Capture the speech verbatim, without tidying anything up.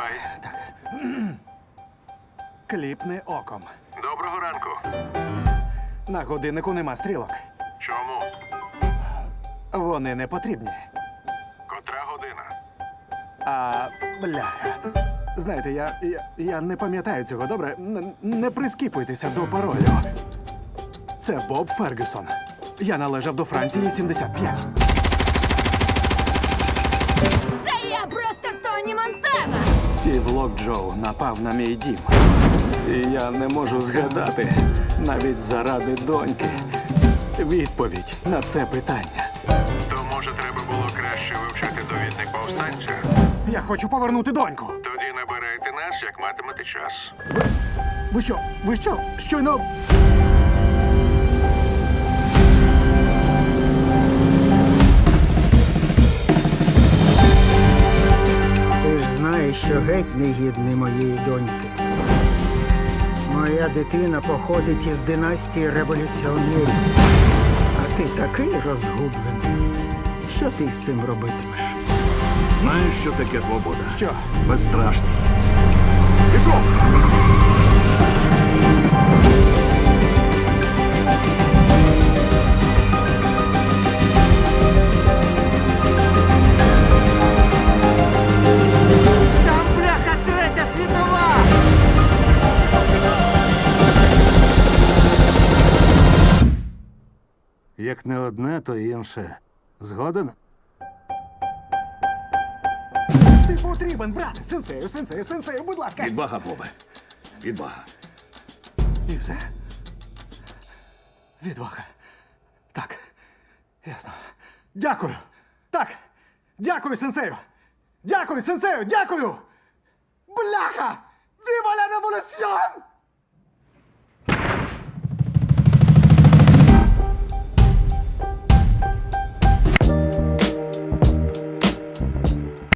Давай. Так. Кліпни оком. Доброго ранку. На годиннику нема стрілок. Чому? Вони не потрібні. Котра година? А, бляха. Знаєте, я, я, я не пам'ятаю цього, добре? Н- не прискіпуйтеся до паролю. Це Боб Фергюсон. Я належав до Франції сімдесят п'ять. Та я просто Тоні Монтана! Стів Локджоу напав на мій дім. І я не можу згадати, навіть заради доньки, відповідь на це питання. То, може, треба було краще вивчити довідник повстанця? Я хочу повернути доньку. Тоді набирайте нас, як матимете час. Ви що? Ви що? Щойно... Ти ж знаєш, що геть не гідний моєї доньки. Моя дитина походить із династії революціонерів. А ти такий розгублений. Що ти з цим робитимеш? Знаєш, що таке свобода? Що? Безстрашність. Пішов! Там, бляха, третя світова! Як не одне, то інше. Згоден? Ти потрібен, брат! Сенсею, сенсею, сенсею, будь ласка! Відвага, Бобе. Відвага. І все? Відвага. Так. Ясно. Дякую. Так. Дякую, сенсею. Дякую, сенсею, дякую! Бляха! Віва ла революціон!